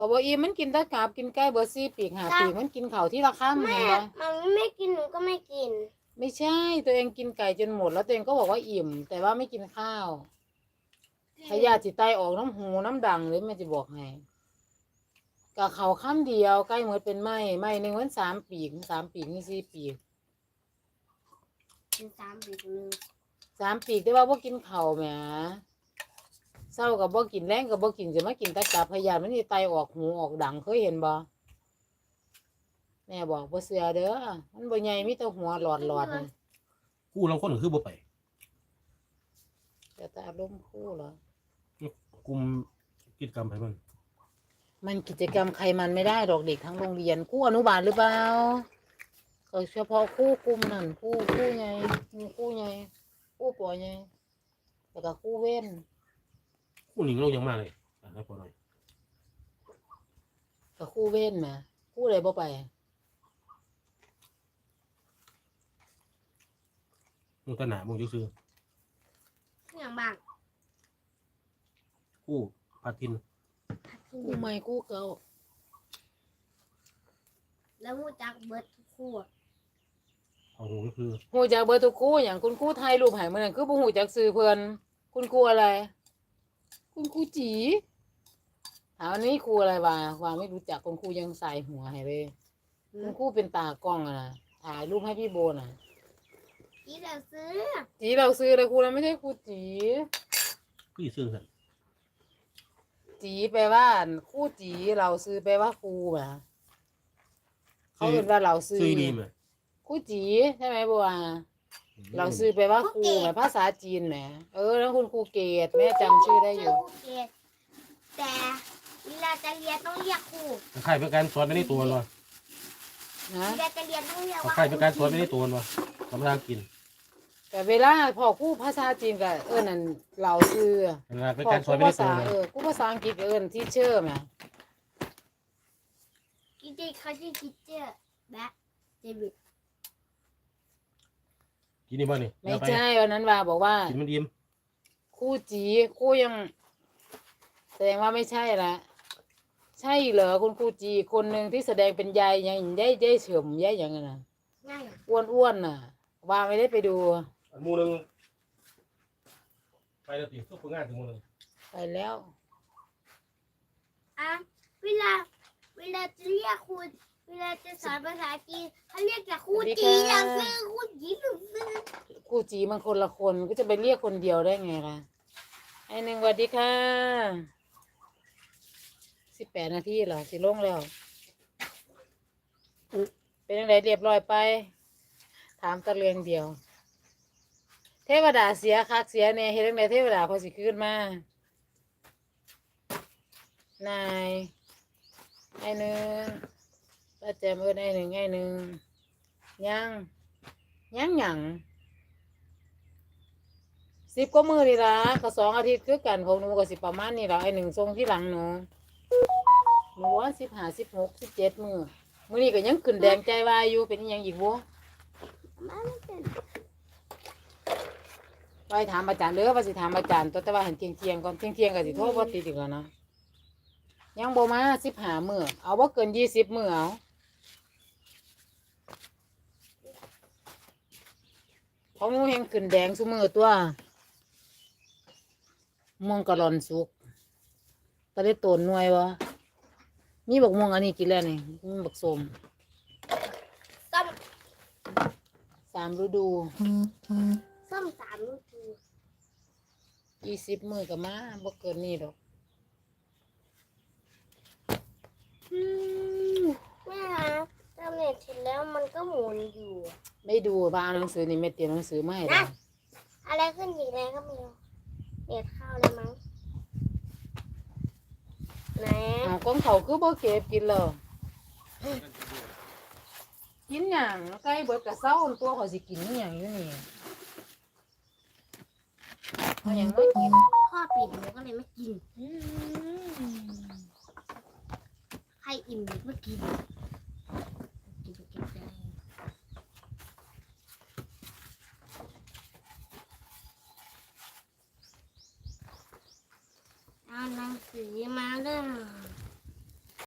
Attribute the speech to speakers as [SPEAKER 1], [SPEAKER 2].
[SPEAKER 1] ก็บ่อิ่มมันกินแตะกาบกินไก่เบิด4ปีก5ปีกมันกินข้าวที่ละค่ำเห็นบ่
[SPEAKER 2] มันไม่กินหนูก็ไม่กิน
[SPEAKER 1] ไม่ใช่ตัวเองกินไก่จนหมดแล้วตัวเองก็บอกว่าอิ่มแต่ว่าไม่กินข้าวพยาธิไตออกน้ำหูน้ำดังเลยแม่จะบอกให้กับเขาค่ำเดียวใกล้หมดเป็นไหมหนึ่งวัน3 ปีก3 ปีกนี่4 ปีก
[SPEAKER 2] เป็น3 ปีกนึง
[SPEAKER 1] 3 ปีกแต่ว่าบ่กินข้าวแหมเศร้ากับบ่กินแรงกับบ่กินจะมากินแตะกาบพยาธิมันสิไตออกหูออกดังเคยเห็นบ่แม่บอกบ่เชื่อเด้อมันบ่ใหญ่มีแต่หัวหลอดนี่
[SPEAKER 3] กู้ลางคนก็คือบ่ไป
[SPEAKER 1] แต่อารมณ์คู่เหรอก
[SPEAKER 3] ลุ่มกิจกรรมไป
[SPEAKER 1] มันกิจกรรมใครมันไม่ได้หรอกเด็กทั้งโรงเรียนคู่อนุบาลหรือเปล่าก็เฉพาะคู่กลุ่มนั่นคู่ไงมีคู่ไงคู่ปอไงแล้วก็คู่เว้น
[SPEAKER 3] กู้หนิงเรายังมาเลยให้พอหน่อย
[SPEAKER 1] กับคู่เว้นมาคู่อะไรบ่ไป
[SPEAKER 3] มึงตะหนามึงจะซื้อ
[SPEAKER 2] อย่างบ้าง
[SPEAKER 3] กู้พาทิน
[SPEAKER 1] คู่ใหม่คู่เก่า
[SPEAKER 2] แล้วมูจักเบิร์ดทุกคู่
[SPEAKER 3] เอาหูก็คือ
[SPEAKER 1] หูจักเบอร์ทุกคู่อย่างคุณครูไทยรูปหายเมื่อนั้นคือบ่หูจักซื้อเพิ่นคุณครูอะไร คุณครูจีถามวันนี้ครูอะไรว่าไม่รู้จักคุณครูยังใส่หัวให้เลยคุณครูเป็นตากล้องอะนะถ่ายรูปให้พี่โบน่ะ
[SPEAKER 2] จีเราซื้อ
[SPEAKER 1] จีเราซื้อเลยครูแล้วไม่ใช่ครูจี
[SPEAKER 3] พี่ซื้อสัน
[SPEAKER 1] จีแปลว่าครูจีเราซื้อแปลว่าครูแหมเขาเป็นว่าเราซื้อ
[SPEAKER 3] ดีไหม
[SPEAKER 1] ครูจีใช่ไหมบัวเราซื้อแปลว่าครูแหมภาษาจีนแหมแล้วคุณครูเกตแม่จำชื่อได้อยู่
[SPEAKER 2] ครูเกศแต่เวลาจะเรียนต้องเรียกครู
[SPEAKER 3] ใครเป็นการสอนไม่ได้ตัววะ
[SPEAKER 1] นะ
[SPEAKER 2] เวลาจะเรียนต้องเรียกว่า
[SPEAKER 3] ใครเป็นการสอนไม่ได้ตัววะทำทางกิน
[SPEAKER 1] แต่เวลาพอครูภาษาจีนก็นั่นเราซื้อ
[SPEAKER 3] เป็น
[SPEAKER 1] พอ
[SPEAKER 3] การ
[SPEAKER 1] ค
[SPEAKER 3] ส
[SPEAKER 1] รู
[SPEAKER 3] อนไม่ได้
[SPEAKER 1] ภา
[SPEAKER 3] ตัว
[SPEAKER 1] ษาครูภาษาอังกฤษก็ที่เชอร์แหม
[SPEAKER 2] จริงๆเขาชื่อคิดเจอร์แบ็คเดวิด
[SPEAKER 3] กินนี่บ่นี่
[SPEAKER 1] ไม่ใช่วันนั้นว่าบอกว่า
[SPEAKER 3] กินมันอิ่ม
[SPEAKER 1] ครูจีครูยังแสดงว่าไม่ใช่ละใช่เหรอคุณครูจีคนหนึ่งที่แสดงเป็นยายยังยายเฉิมยายอย่างนั้นน่ะ
[SPEAKER 2] ง่าย
[SPEAKER 1] อ้วนน่ะว่าไม่ได้ไปดู
[SPEAKER 3] หมูนึงไปแล้วติทุกงานถึงหมูนึง
[SPEAKER 1] ไปแล้ว
[SPEAKER 2] อ่ะเวลาจะเรียกครูเวลาจะสอนภาษาจีนเขาเรียกแต่ครูจีเราซื้อครูจีเราซื้อ
[SPEAKER 1] ครูจีมันคนละคนก็จะไปเรียกคนเดียวได้ไงล่ะไอ้หนึ่งสวัสดีค่ะ18 นาทีเหรอสิลงแล้วเป็นยังไงเรียบร้อยไป ถามตะเลืองเดียว เทวดาเสียคักเสียเนี่ยเฮ็ดจังไดเทวดาพอสิขึ้นมานายไอ้หนึ่งป้าแจมไอ้หนึ่งยังหยัง10 กว่ามื้อนี่ล่ะก็2 อาทิตย์คือกันของหนูก็สิประมาณนี้ล่ะไอ้หนึ่งส่งที่หลังหนูว่า15 16 17 มื้อนี้ก็ยังขึ้นแดงใจวายอยู่เป็นอิหยังอีกบ่
[SPEAKER 2] มาไม่เป็น
[SPEAKER 1] ไปถามอาจารย์เด้อว่าสิถามอาจารย์ตัวแต่ว่าหันเที่ยงก่อนเที่ยงก็สิโทรบ่ติดอีกแล้วนะยังบ่มา15 มื้อเอาบ่เกิน20 มื้อเอาของหนูแฮงขึ้นแดงซุมื้อตัวม่วงกะหล่อนสุกตะได้โตนหน่วยบ่มีบักม่วงอันนี้กินแล้วนี่มีบักส้ม
[SPEAKER 2] ส้ม
[SPEAKER 1] 3 ฤดู
[SPEAKER 2] ส้ม3 ลูกคือ
[SPEAKER 1] 20 มื้อก็มาบ่เกินนี้ดอก
[SPEAKER 2] แม่คะทำเน็ตเสร็จแล้วมันก็หมุนอยู่
[SPEAKER 1] ไม่ดูบ้าเอาหนังสือนี่แม่เตรียมหนังสือมาให้
[SPEAKER 2] นะ
[SPEAKER 1] แล้ว
[SPEAKER 2] อะไรขึ้นอีกแล้วก็ไม่รู้เน็ตเข้าแล้วมั้งไหน
[SPEAKER 1] เอาของเขาคือบ่เก็บกินเลยกินหยังไก่เบิดกะเซาตัวเขาสิกินอีหยังอยู่นี่เขายังไม่กิน
[SPEAKER 2] พ่อปิดหนูก็เลยไม่กิน ใครอิ่มหนูก็กิน